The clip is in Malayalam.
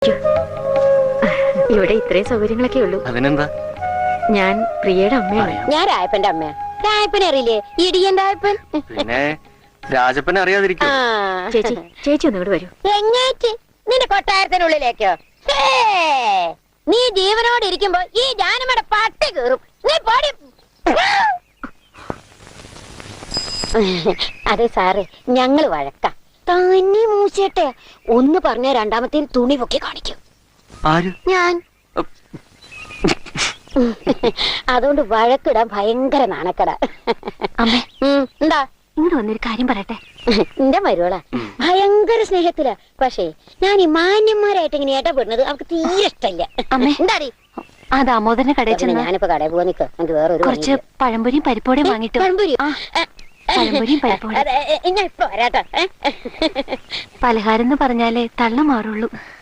ഇരിക്കൂ. ഇവിടെ ഇത്രയും സൗകര്യങ്ങളൊക്കെ ഉള്ളൂ. അതിനെന്താ? ഞാൻ പ്രിയയുടെ അമ്മയാണ്. ഞാൻ രായപ്പന്റെ അമ്മയാ. രായപ്പനെ അറിയില്ലേ? ഇടിയൻ രായപ്പൻ. പിന്നെ രാജപ്പനെ അറിയാതിരിക്കും. ചേച്ചി ചേച്ചി ഒന്നുകൂടെ വരൂ. എങ്ങേറ്റ് നിന്റെ കൊട്ടാരത്തിനുള്ളിലേക്കോ? നീ ജീവനോട് ഇരിക്കുമ്പോ ഈ ജാനമ്മയുടെ പട്ടി കീറും. നീ പോടി. അതെ സാറേ, ഞങ്ങള് വഴക്കാം. തന്നെ മൂച്ചേട്ടെ ഒന്ന് പറഞ്ഞ രണ്ടാമത്തെ തുണി പൊക്കി കാണിക്കും. ഞാൻ അതുകൊണ്ട് വഴക്കിടാൻ ഭയങ്കര നാണക്കട. അമ്മേ എന്താ ഇങ്ങോട്ട് വന്നൊരു കാര്യം പറയട്ടെ. എന്റെ മരുവള ഭയങ്കര സ്നേഹത്തിലാ. പക്ഷേ ഞാൻ ഈ മാന്യന്മാരായിട്ട് ഇങ്ങനെ ഇടപെടുന്നത് അവർക്ക് തീരെ ഇഷ്ടമില്ല. എന്താടി ആ ദാമോദരന്റെ കടയിൽ ചെന്ന് ഞാനിപ്പോ കടയിൽ പോവാ. നിക്ക്, എനിക്ക് വേറൊരു കുറച്ച് പഴംപൊരിയും പരിപ്പോടെയും വാങ്ങിട്ടു. പഴംപൊരിയും പരിപ്പോടെ ഞാൻ ഇപ്പൊ വരാട്ടോ. പലഹാരം എന്ന് പറഞ്ഞാലേ തള്ള മാറുള്ളൂ.